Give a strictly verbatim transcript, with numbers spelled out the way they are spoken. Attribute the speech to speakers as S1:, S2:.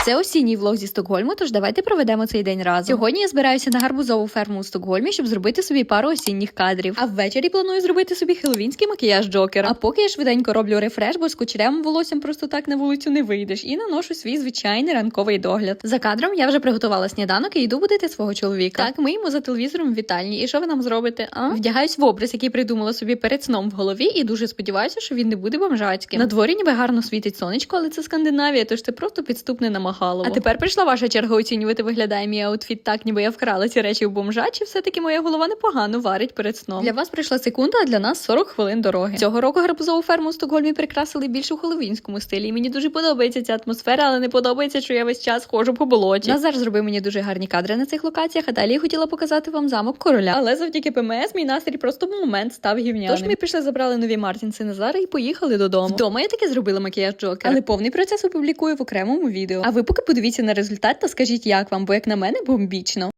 S1: Це осінній влог зі Стокгольму, тож давайте проведемо цей день разом. Сьогодні я збираюся на гарбузову ферму у Стокгольмі, щоб зробити собі пару осінніх кадрів. А ввечері планую зробити собі хеллоуінський макіяж Джокера. А поки я швиденько роблю рефреш, бо з кучерявим волоссям просто так на вулицю не вийдеш, і наношу свій звичайний ранковий догляд. За кадром я вже приготувала сніданок і йду будити свого чоловіка. Так, ми йому за телевізором в вітальні. І що ви нам зробите? А? Вдягаюсь в образ, який придумала собі перед сном в голові, і дуже сподіваюся, що він не буде бомжацьким. На дворі ніби гарно світить сонечко, але це Скандинавія, тож це просто підступне намагало. А тепер прийшла ваша черга оцінювати, виглядає мій аутфіт так, ніби я вкрала ці речі в бомжа, чи все-таки моя голова непогано варить перед сном. Для вас прийшла секунда, а для нас сорок хвилин дороги. Цього року гарбузову ферму у Стокгольмі прикрасили більш у хеллоуінському стилі. І мені дуже подобається ця атмосфера, але не подобається, що я весь час ходжу по болоті. Назар зробив мені дуже гарні кадри на цих локаціях, а далі я хотіла показати вам замок короля. Але завдяки ПМС мій настрій просто в момент став гівняним. Тож ми пішли, забрали нові Мартінси Назара і поїхали додому. Вдома я таки зробила макіяж Джокера, але повний процес опублікую в окремому відео. А ви поки подивіться на результат та скажіть, як вам, бо як на мене бомбічно.